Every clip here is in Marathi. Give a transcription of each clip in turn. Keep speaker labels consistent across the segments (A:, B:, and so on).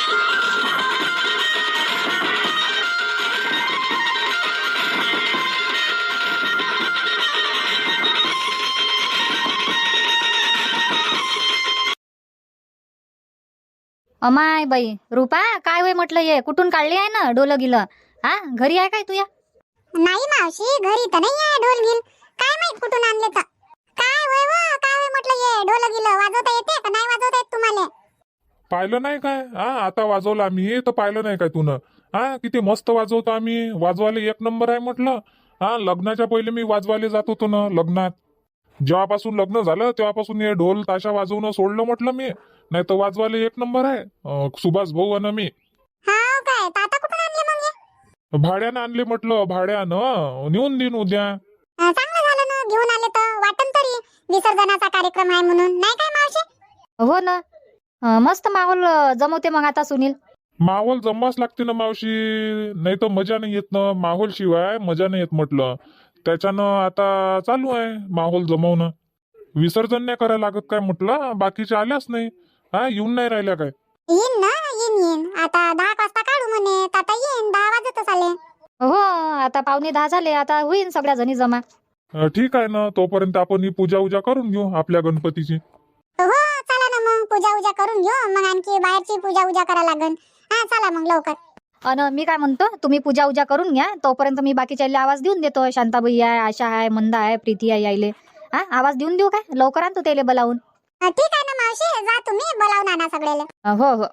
A: अमाय बाई रुपा, काय होय म्हटलं, ये कुठून काढली आहे ना डोलं गिलं? हा, घरी आहे काय तुया?
B: नाही मावशी, घरी तर नाही आहे ढोल गिल. काय माहित कुठून आणले तर. काय होय काय होय म्हटलं, ये ढोल गिल वाजवता येते का नाही वाजवता येत तुम्हाला?
C: पाहिलं नाही काय? आता वाजवलं आम्ही तर पाहिलं नाही काय तुनं? किती मस्त वाजवतो आम्ही, वाजवायला एक नंबर आहे म्हटलं. लग्नाच्या पहिले मी वाजवायला जात होतो ना लग्नात. जेव्हापासून लग्न झालं तेव्हापासून हे ढोल ताशा वाजवणं सोडलं म्हटलं मी. नाही तर वाजवायला एक नंबर आहे. सुभाष भाऊ आणि मी
B: हाव काय? तर आता कुठून आणले मग हे?
C: भाड्यानं आणले म्हटलं, भाड्यानं नेऊन देईन उद्या.
B: चांगलं झालं ना घेऊन आले तर. वाटन तरी विसर्जनाचा कार्यक्रम आहे म्हणून, नाही काय मावशी?
A: हो ना. मस्त माहोल जमवते मग आता सुनील.
C: माहोल जमवाच लागते ना मावशी, नाही तर मजा नाही येत ना. माहोल शिवाय मजा नाही येत म्हटलं. त्याच्यानं आता चालू आहे माहोल जमवणं. विसर्जन नाही करायला लागत काय म्हटलं, बाकीचे आल्याच नाही. येऊन नाही राहिल्या काय?
B: येईन ना, येईन. आता 10 वाजता काढू म्हणे, तर आता येईन. 10 वाजतच आले.
A: हो, आता 9:45 झाले, आता होईन सगळ्या जणी जमा.
C: ठीक आहे ना, तोपर्यंत आपण ही पूजा उजा करून घेऊ आपल्या गणपतीची.
B: हो, चला ना मग पूजा उजा करून घेऊ. मग आणखी बाहेरची पूजा उजा करा लागन. चला मग लवकर.
A: अन मी काय म्हणतो, तुम्ही पूजा उजा करून घ्या, तोपर्यंत मी बाकीच्या आवाज देऊन देतो. शांताबाई आहे, आशा आहे, मंदा आहे, प्रीती आहे, यायले आवाज देऊन देऊ काय? लवकर आणतो त्याले बोलावून.
B: ठीक आहे ना मावशी, जा तुम्ही बोलावून आणा सगळ्याला.
A: हो हो.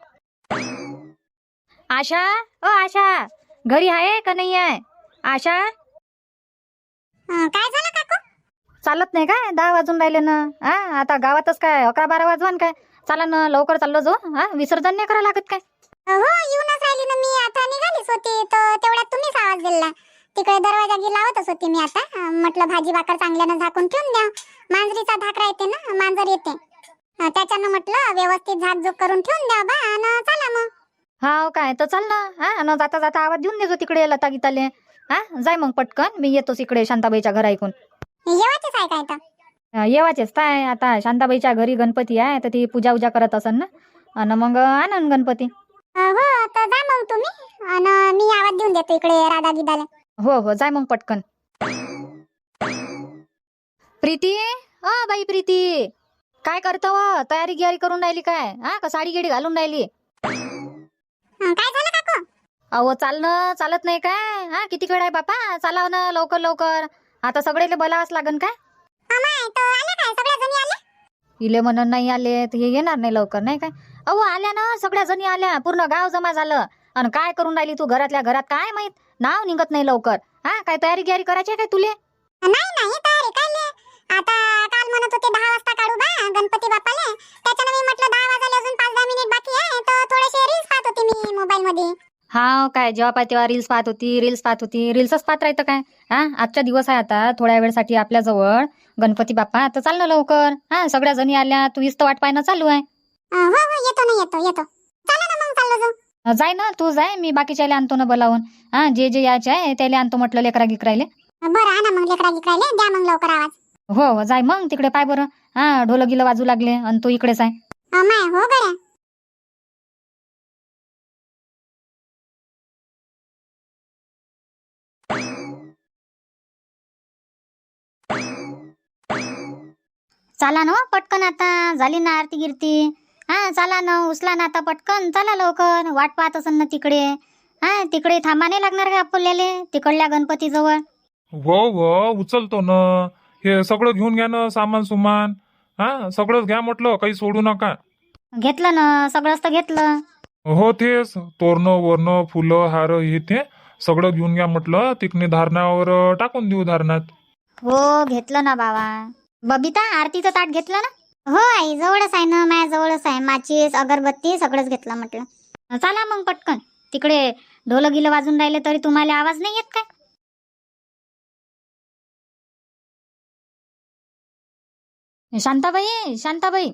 A: आशा, ओ आशा, घरी आहे का नाही आहे? आशा,
B: काय झालं काकू?
A: चालत नाही काय? 10 वाजून राहिले ना. आता गावातच काय 11-12 वाजवान काय? चला ना, लवकर चाललो जाऊ. विसर्जन नाही करा लागत काय?
B: हो, येऊनच राहिली ना मी. आता निघालीच होती तर तेवढ्यात तुम्हीच आवाज दिला. तिकडे दरवाजा लावतच होती मी. आता म्हटलं भाजी भाकर चांगल्यानं झाकून ठेवून द्या. मांजरीचा धाकरा येते ना, मांजर येते, त्याच्यानं म्हटलं व्यवस्थित झाकझूक करून ठेवून द्या बा. आणि चला मग.
A: हाव काय? तर चाल ना. जाता जाता आवाज देऊन देजो तिकडे लता गीताले. जाय मग पटकन, मी येतोच इकडे शांताबाईच्या घरा ऐकून.
B: येवायचंच आहे काय तर?
A: येवाचेच काय, आता शांताबाईच्या घरी गणपती आहे तर ती पूजा उजा करत असन ना, आणि मग आणन गणपती.
B: हो, तर जा मग तुम्ही. आणि मी आवाज देऊन देतो इकडे राधा गिदाला.
A: हो हो, जाय मग पटकन. प्रीती, बाई प्रीती, काय करतो? तयारी गियारी करून राहिली काय? का साडी गिडी घालून राहिली?
B: काय झालं काकू?
A: अहो चालणं चालत नाही काय? किती वेळ आहे बापा, चालाव ना लवकर लवकर. आता सगळेले बोलावंच लागन काय?
B: अमाय, तो आले काय? सगळ्या जणी आल्या?
A: इले म्हणून नाही आले तर हे येणार नाही लवकर, नाही काय? अहो आल्या ना, सगळ्या जणी आल्या, पूर्ण गाव जमा झालं. आणि काय करून राहिली तू घरातल्या घरात? काय माहित, नाव निघत नाही लवकर. काय तयारी गियारी करायची आहे काय तुले?
B: नाही तयारी काय ले. आता काल म्हणत होते 10 वाजता काढू बा गणपती बाप्पाले. त्याच्यानं मी म्हटलं 10 वाजायला अजून 5-10 मिनिट बाकी आहे, तर थोडेसे रील्स पाहत होते मी मोबाईल मध्ये.
A: हा काय, जेव्हा पाय तेव्हा रील्स पाहत होती. रील्सच पाहत राहतं काय? आजचा दिवस आहे आता, थोड्या वेळसाठी आपल्या जवळ गणपती बाप्पा. आता चाल ना लवकर. सगळ्या जणी आल्या, तू इस्त वाट पाहणं चालू आहे.
B: हो, येतो. चला ना मग, चाललो जाऊ.
A: जाय ना, तू जाय, मी बाकीच्याला आणतो ना बोलावून. जे यायचे आहे त्याला आणतो म्हटलं, लेकरा गिकरायले.
B: बरं, आणा मग लेकरा गिकरायले. द्या मग लवकर आवाज.
A: हो जाय मग तिकडे, पाय बरं. ढोलं गिलं वाजू लागले आणि तू इकडेच आहे.
B: अमाय, हो गड्या.
D: चला ना पटकन, आता झाली ना आरती गिरती. चला ना, उचला ना आता पटकन. चला लवकर, वाट पाहत असन ना तिकडे. तिकडे थांबा नाही लागणार का आपल्याले, तिकडल्या गणपती जवळ?
C: हो उचलतो ना. हे सगळं घेऊन घ्या ना, सामान सुमान. सगळंच घ्या म्हटलं, काही सोडू नका.
D: घेतलं ना, सगळंच तर घेतलं.
C: हो, तेच तोरणं वर्ण फुलं हार हे ते सगळं घेऊन घ्या म्हटलं. तिकडे धारणावर टाकून देऊ धारणात.
D: हो, घेतलं ना बाबा. बबिता, आरतीचं ताट घेतलं ना?
B: हो आई, जवळच आहे ना, माझ्या जवळच आहे. माचीस, अगरबत्ती सगळंच घेतलं म्हटलं.
D: चला मग पटकन. तिकडे ढोल गिलं वाजून राहिले तरी तुम्हाला आवाज नाही येत काय?
A: शांताबाई,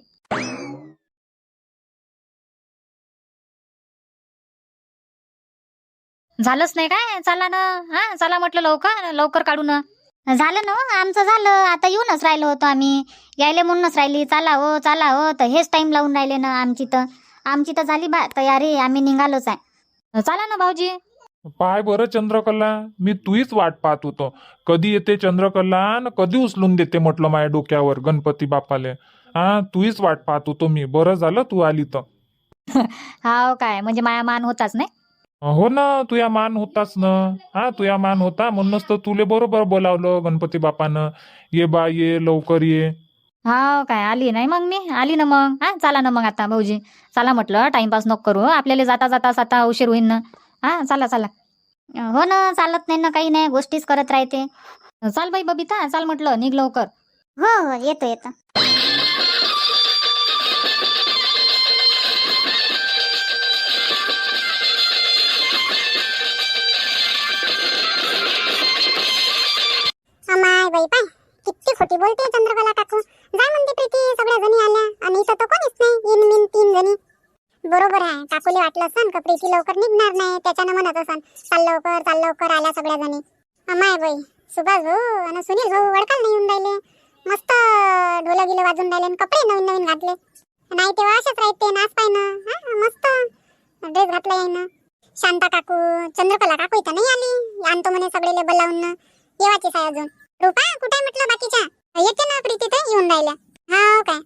A: झालंच नाही काय? चला ना. चला म्हटलं, लवकर लवकर काढू ना.
D: झालं ना आमचं, झालं. आता येऊनच राहिलो होतो आम्ही, यायले म्हणूनच राहिली. चला हो तर हेच टाइम लावून राहिले ना आमची तर. आमची तर झाली बा तयारी, आम्ही निघालोच आहे.
A: चला ना भाऊजी.
C: पाय बरं चंद्रकला, मी तुहीच वाट पाहत होतो. कधी येते चंद्रकला न कधी उचलून देते म्हटलं माझ्या डोक्यावर गणपती बापाले. तुहीच वाट पाहत होतो मी. बरं झालं तू आली तर.
A: हाव काय, म्हणजे माया मान होताच नाही.
C: हो ना, तुया मान होताच ना. तुया मान होता म्हणूनच तर तुले बरोबर बोलावलं गणपती बापानं. ये बा ये, लवकर ये.
A: हाव काय, आली नाही मग मी, आली ना मग. चला ना मग आता भाऊजी, चला म्हटलं, टाइमपास नको करू, आपल्याला जाता जाता आता उशीर होईन ना. चला चला.
D: हो ना, चालत नाही ना, काही नाही, गोष्टीच करत राहते.
A: चाल बाई बबिता, चाल म्हटलं, निघ लवकर.
D: हो हो, येतो येतो.
B: अमाय बाई पाय, किती खोटी बोलते चंद्रकला काकू. जाय म्हणते प्रीती, सगळ्या जणी आल्या आणि इथं तर कोणीच नाही. इन मिन 3 जणी. बरोबर आहे, काकूले वाटलं असन का प्रीती लवकर निघणार नाही, त्याच्यानं म्हणत असन चाल लवकर आल्या सगळ्या जणी. अमाय बाई, सुभाष भाऊ आणि सुनील भाऊ वडकाल नाही येऊन राहिले. मस्त ढोलं गिलं वाजून राहिले आणि कपडे नवीन नवीन घातले. नाही तेव्हा असेच राहते, नाच पाय ना. मस्त ड्रेस घातला आहे ना. शांता काकू, चंद्रकला काकू इथं नाही आली, आणतो म्हणे सगळे बोलावून ना. येवाचीच आहे अजून. रूपा कुठे आहे म्हटलं बाकीच्या? येते ना प्रीती, तर येऊन राहिल्या. हाव काय?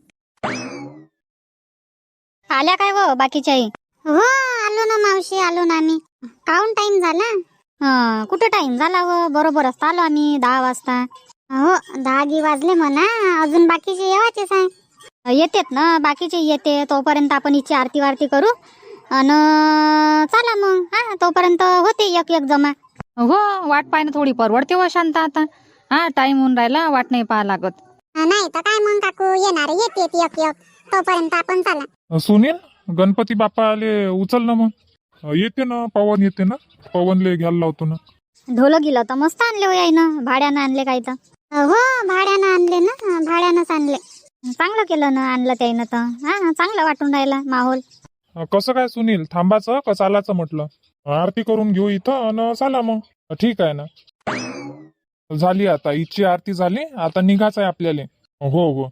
D: आल्या काय व बाकीच्याही? हो आलो ना मावशी, आलो ना आम्ही. काऊन टाइम झाला? कुठं टाइम झाला व, बरोबरच आलो आम्ही 10 वाजता. हो 10 वाजले म्हणा, अजून बाकीचे येवाचेच आहे. येतेत ना बाकीचे, येते तोपर्यंत आपण हिची आरती वारती करू अन चला मग. तोपर्यंत होते एक एक जमा.
A: हो, वाट पाय ना थोडी, परवडते व शांता आता. टाइम होऊन राहिला, वाट नाही पाहा लागत.
B: नाही तर काय मग काकू, येणार येते एक एक, तोपर्यंत आपण चला.
C: सुनील, गणपती बाप्पा आले, उचल ना मग. येते ना पवन, येते ना पवनले घ्यायला लावतो ना.
D: ढोलं गेलं तर मस्त आणले हो यायनं, भाड्यानं आणले काय तर. हो भाड्यानं आणले ना, भाड्यानंच आणले. चांगलं केलं ना, आणलं त्यानं तर. चांगलं वाटून राहिला माहोल.
C: कसं काय सुनील, थांबाचं का चालाचं म्हटलं? आरती करून घेऊ इथं आणि चला मग. ठीक आहे ना. झाली आता इथची आरती झाली, आता निघायचं आहे आपल्याला. हो हो.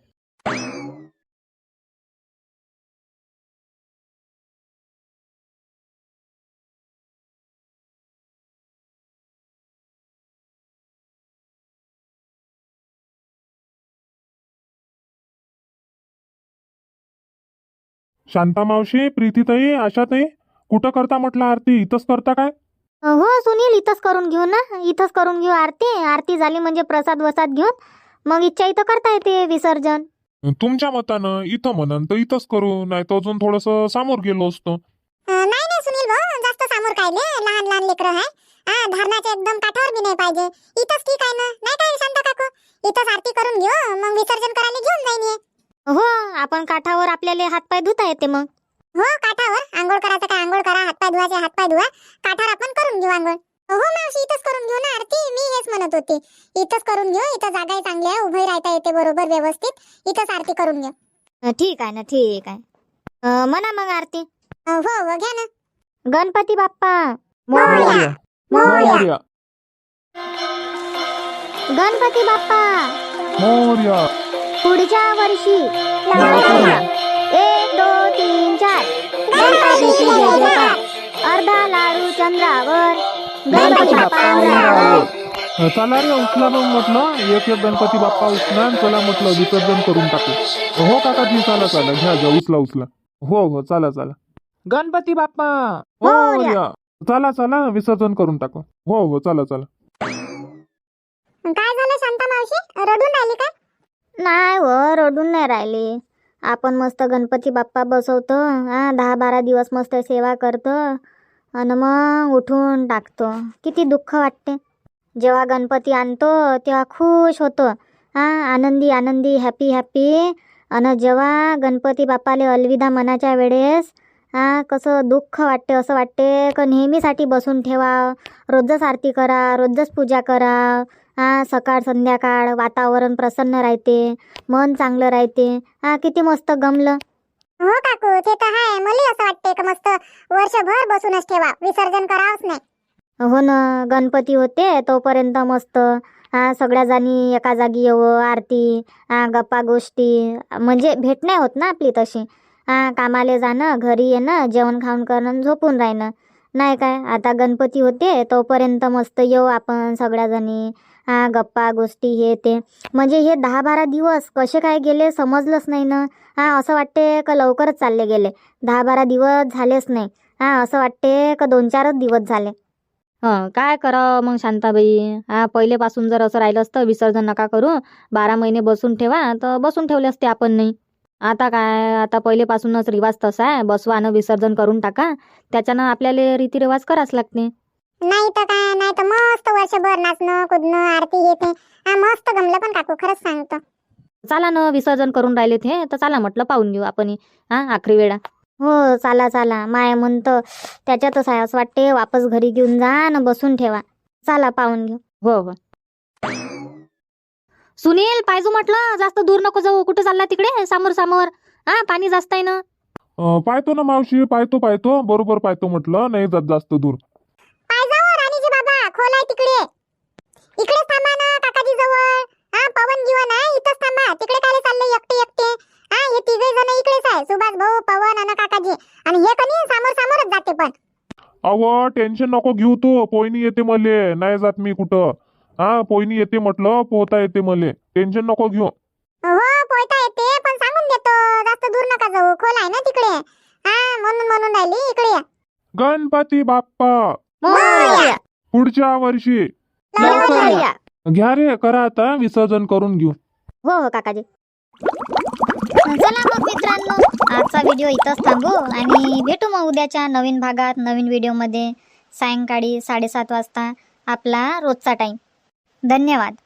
C: शांता मावशी, प्रीतीताई, आशाताई, कुठं करता म्हटलं आरती? इथंच करता काय?
D: हो सुनील, इथंच करून घेऊ ना, इथंच करून घेऊ आरती. आरती झाली म्हणजे प्रसाद वसाद घेऊन मग इच्छा इथं करता येते विसर्जन.
C: तुमच्या मतानं इथं म्हणन तर इथंच करू, नाही तर अजून थोडस समोर गेलो असतो.
B: नाही सुनील भाऊ, जास्त समोर काय लहान लहान लेकरं आहे. धरणाच्या एकदम काठावर बी नाही पाहिजे. इथंच ठीक आहे ना, नाही काय शांता काकू? इथंच आरती करून घेऊ, मग विसर्जन करायला घेऊन जाईन ये.
D: हो, आपण काठावर आपल्याला हातपाय धुता येते मग.
B: हो काठावर आंघोळ करायचं काय, आंघोळ करा, हातपाय धुवायचे हातपाय धुवा, काठावर आपण करून घेऊ आंघोळ. हो मावशी, इथंच करून घेऊ ना आरती. मी हेच म्हणत होते, इथंच करून घेऊ. इथं जागा चांगली आहे, उभे राहता येते बरोबर व्यवस्थित. इथंच आरती करून घेऊ.
D: ठीक आहे ना, ठीक आहे. म्हणा मग आरती.
B: हो हो, घ्या ना.
D: गणपती बाप्पा
B: मोरया.
C: मोरया.
D: गणपती बाप्पा
C: मोरया.
D: पुढच्या वर्षी
C: मोरया.
D: 1 2 3 4 गणपतीची जय जयकार. अर्धा लाडू चंद्रावर, गणपती बाप्पा उरावर.
C: चला रे, उचला मग म्हटलं, एक एक गणपती बाप्पा उचला आणि चला म्हटलं विसर्जन करून टाकू. हो काकाजी, चला चला, घ्या उचला उचला. हो हो, चला चला. गणपती बाप्पा मोरया. चला चला, विसर्जन करून टाकू. हो हो, चला चला.
B: काय झालं शांता मावशी, रडून राहिली काय?
D: नाही हो, रडून नाही राहिली. आपण मस्त गणपती बाप्पा बसवतो, 10-12 दिवस मस्त सेवा करतो आणि मग उठून टाकतो. किती दुःख वाटते. जेव्हा गणपती आणतो तेव्हा खुश होतो, आनंदी आनंदी, हॅपी हॅपी. आणि जेव्हा गणपती बाप्पाले अलविदा मनाच्या वेळेस कसं दुःख वाटते. असं वाटते का नेहमीसाठी बसून ठेवा, रोजच आरती करा, रोजच पूजा करा. सकाळ संध्याकाळ वातावरण प्रसन्न राहते, मन चांगलं राहते. किती मस्त गमलं.
B: हो काकू, ते तर आहे. मला असं वाटते का मस्त वर्षभर बसूनच ठेवा, विसर्जन करावंच नाही.
D: हो ना, गणपती होते तोपर्यंत मस्त सगळ्या जणी एका जागी येवं, आरती, गप्पा गोष्टी, म्हणजे भेट नाही होत ना आपली तशी. कामाले जाणं, घरी येणं, जेवण खाऊन करणं, झोपून राहणं, नाही काय. आता गणपती होते तोपर्यंत मस्त येऊ आपण सगळ्याजणी, गप्पा गोष्टी हे ते. म्हणजे हे 10-12 दिवस कसे काय गेले समजलंच नाही ना. असं वाटते का लवकरच चालले गेले. 10-12 दिवस झालेच नाही. असं वाटते का 2-4च दिवस झाले.
A: काय करावं मग शांताबाई. पहिलेपासून जर असं राहिलं असतं विसर्जन नका करू, 12 महिने बसून ठेवा, तर बसून ठेवले असते आपण नाही. आता काय, आता पहिलेपासूनच रिवाज तसा आहे, बसवा आणि विसर्जन करून टाका. त्याच्यानं आपल्याला रीतिरिवाज करावंच लागते.
B: नाही तर काय, नाही तर मस्त वर्षभर नाचणं कुदणं आरती येते. मस्त गमलं पण काकू, खरंच सांगतो.
A: चला ना, विसर्जन करून राहिले ते तर चला म्हटलं पाहून घेऊ आपण आखरी वेळा.
D: हो चला चला. माय म्हणतं त्याच्यातच आहे. असं वाटते वापस घरी घेऊन जा आणि बसून ठेवा. चला पाहून घेऊ.
A: हो हो. सुनील पाहिजो म्हटलं, जास्त दूर नको जाऊ. कुठे चालला तिकडे समोर समोर? पाणी जास्त आहे ना.
C: पाहतो ना मावशी, पाहतो बरोबर पाहतो म्हटलं, नाही जात जास्त दूर.
B: पाय जाओ राणीजी बाबा, खोल आहे तिकडे. इकडेच थांबा ना काकाजी जवळ. पवन जीवन आहे, इथंच थांबा. तिकडे काय चालले एकटे एकटे? हे तिघे जण इकडेच आहे, सुभाष भाऊ, पवन आणि काकाजी. आणि हे कधी समोर समोरच जाते पण.
C: अव टेन्शन नको घेऊ तू, पोयनी येते मले, नाही जात मी कुठं. पोयनी येते म्हटलं, पोहता येते मले, टेन्शन नको घेऊ.
B: हो पोहता येते, पण सांगून देतो जास्त दूर नका जाऊ, खोल आहे ना तिकडे. म्हणून राहिली इकडे या.
C: गणपती बाप्पा
D: मोरया.
C: पुढच्या वर्षी
D: लवकर या.
C: घ्या रे, करा आता विसर्जन करून घेऊ.
D: हो हो काकाजी. चला मग मित्रांनो, आजचा व्हिडिओ इथंच थांबू आणि भेटू मग उद्याच्या नवीन भागात, नवीन व्हिडिओमध्ये, सायंकाळी 7:30 वाजता आपला रोजचा टाइम. धन्यवाद.